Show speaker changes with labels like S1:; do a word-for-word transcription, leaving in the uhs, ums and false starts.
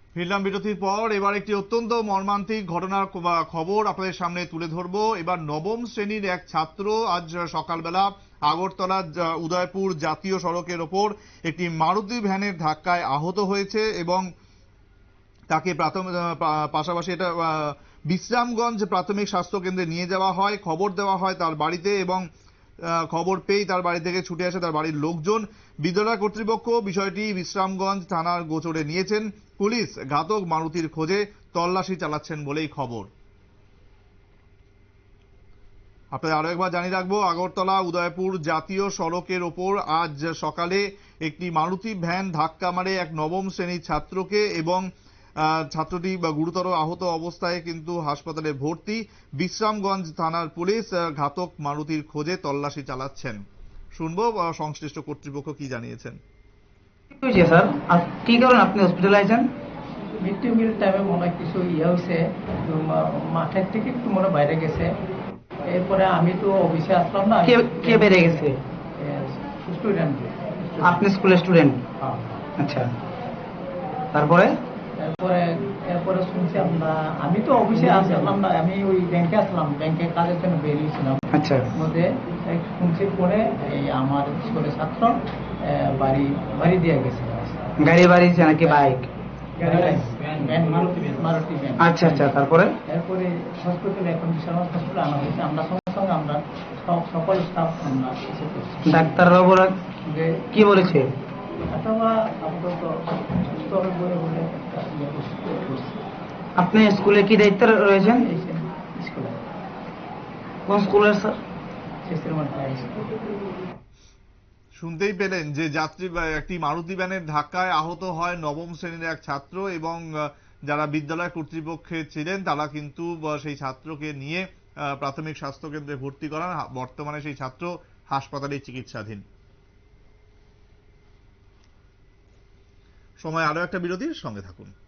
S1: ফিরলাম বিরতির পর। এবার একটি অত্যন্ত মর্মান্তিক ঘটনার খবর আপনাদের সামনে তুলে ধরবো। এবার নবম শ্রেণীর এক ছাত্র আজ সকালবেলা আগরতলা উদয়পুর জাতীয় সড়কের ওপর একটি মারুতি ভ্যানের ধাক্কায় আহত হয়েছে এবং তাকে প্রাথমিক পাশাপাশি এটা বিশ্রামগঞ্জ প্রাথমিক স্বাস্থ্য কেন্দ্রে নিয়ে যাওয়া হয়। খবর দেওয়া হয় তার বাড়িতে এবং খবর পেয়ে তার বাড়ি থেকে ছুটে আসে তার বাড়ির লোকজন। বিদ্যালয় কর্তৃপক্ষ বিষয়টি বিশ্রামগঞ্জ থানার গোচরে নিয়েছেন। পুলিশ ঘাতক মারুতির খোঁজে তল্লাশি চালাচ্ছেন বলেই খবর। আপনাদের আরো একবার জানিয়ে রাখবো, আগরতলা উদয়পুর জাতীয় সড়কের ওপর আজ সকালে একটি মারুতি ভ্যান ধাক্কা মারে এক নবম শ্রেণীর ছাত্রকে এবং ছাত্রটি গুরুতর আহত অবস্থায় কিন্তু হাসপাতালে ভর্তি। বিশ্রামগঞ্জ থানার পুলিশ ঘাতক মারুতির খোঁজে তল্লাশি চালাচ্ছেন। শুনবো সংশ্লিষ্ট কর্তৃপক্ষ কি জানিয়েছেন।
S2: স্যার কি কারণে আপনি হসপিটালে আছেন?
S3: মিড ডে মিল টাইমে মনে হয় কিছু ইয়ে হয়েছে, মাঠের থেকে একটু মনে বাইরে গেছে। এরপরে আমি তো অফিসে আসলাম না।
S2: কে বেড়ে গেছে?
S3: স্টুডেন্ট।
S2: আপনি স্কুলের স্টুডেন্ট? আচ্ছা, তারপরে
S3: এরপরে এরপরে শুনছি আমরা, আমি তো অফিসে আসলাম না, আমি ওই ব্যাংকে আসলাম, ব্যাংকে কাজের জন্য বেরিয়েছিলাম।
S2: আচ্ছা,
S3: মধ্যে শুনছি পরে এই আমার স্কুলের ছাত্র বাড়ি বাড়ি দিয়ে গেছে।
S2: গাড়ি বাড়িছে নাকি বাইক? আচ্ছা আচ্ছা, তারপরে
S3: এরপরে হসপিটালে এখন বিশাল হসপিটালে আনা হয়েছে। আমরা সঙ্গে সঙ্গে আমরা সব সকল স্টাফ আমরা এসে করছি।
S2: ডাক্তাররা বলে কি বলেছে? আপনি স্কুলে কি দায়িত্ব রয়েছেন? কোন স্কুলের স্যার?
S1: শুনতেই পেলেন যে যাত্রী একটি মারুতি ভ্যানের ধাক্কায় আহত হয় নবম শ্রেণীর এক ছাত্র এবং যারা বিদ্যালয় কর্তৃপক্ষে ছিলেন তারা কিন্তু সেই ছাত্রকে নিয়ে প্রাথমিক স্বাস্থ্য কেন্দ্রে ভর্তি করান। বর্তমানে সেই ছাত্র হাসপাতালে চিকিৎসাধীন। সময় আরো একটা বিরতির সঙ্গে থাকুন।